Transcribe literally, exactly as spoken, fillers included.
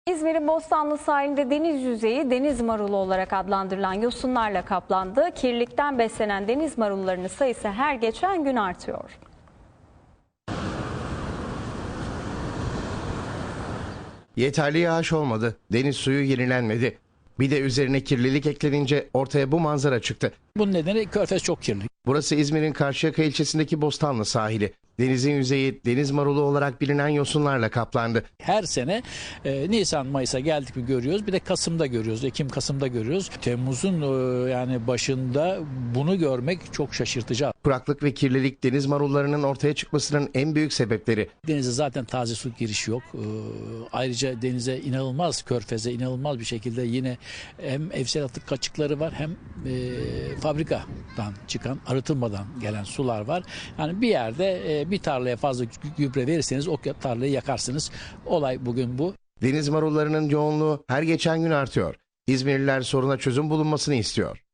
İzmir'in Bostanlı sahilinde deniz yüzeyi deniz marulu olarak adlandırılan yosunlarla kaplandı. Kirlilikten beslenen deniz marullarının sayısı her geçen gün artıyor. Yeterli yağış olmadı, deniz suyu yenilenmedi. Bir de üzerine kirlilik eklenince ortaya bu manzara çıktı. Bunun nedeni Körfez çok kirli. Burası İzmir'in Karşıyaka ilçesindeki Bostanlı sahili. Denizin yüzeyi deniz marulu olarak bilinen yosunlarla kaplandı. Her sene e, Nisan Mayıs'a geldik mi görüyoruz. Bir de Kasım'da görüyoruz. Ekim Kasım'da görüyoruz. Temmuz'un e, yani başında bunu görmek çok şaşırtıcı. Kuraklık ve kirlilik deniz marullarının ortaya çıkmasının en büyük sebepleri. Denize zaten taze su girişi yok. E, ayrıca denize inanılmaz, Körfez'e inanılmaz bir şekilde yine hem evsel atık kaçıkları var hem e, fabrikadan çıkan, arıtılmadan gelen sular var. Yani bir yerde e, bir tarlaya fazla gübre verirseniz o tarlayı yakarsınız. Olay bugün bu. Deniz marullarının yoğunluğu her geçen gün artıyor. İzmirliler soruna çözüm bulunmasını istiyor.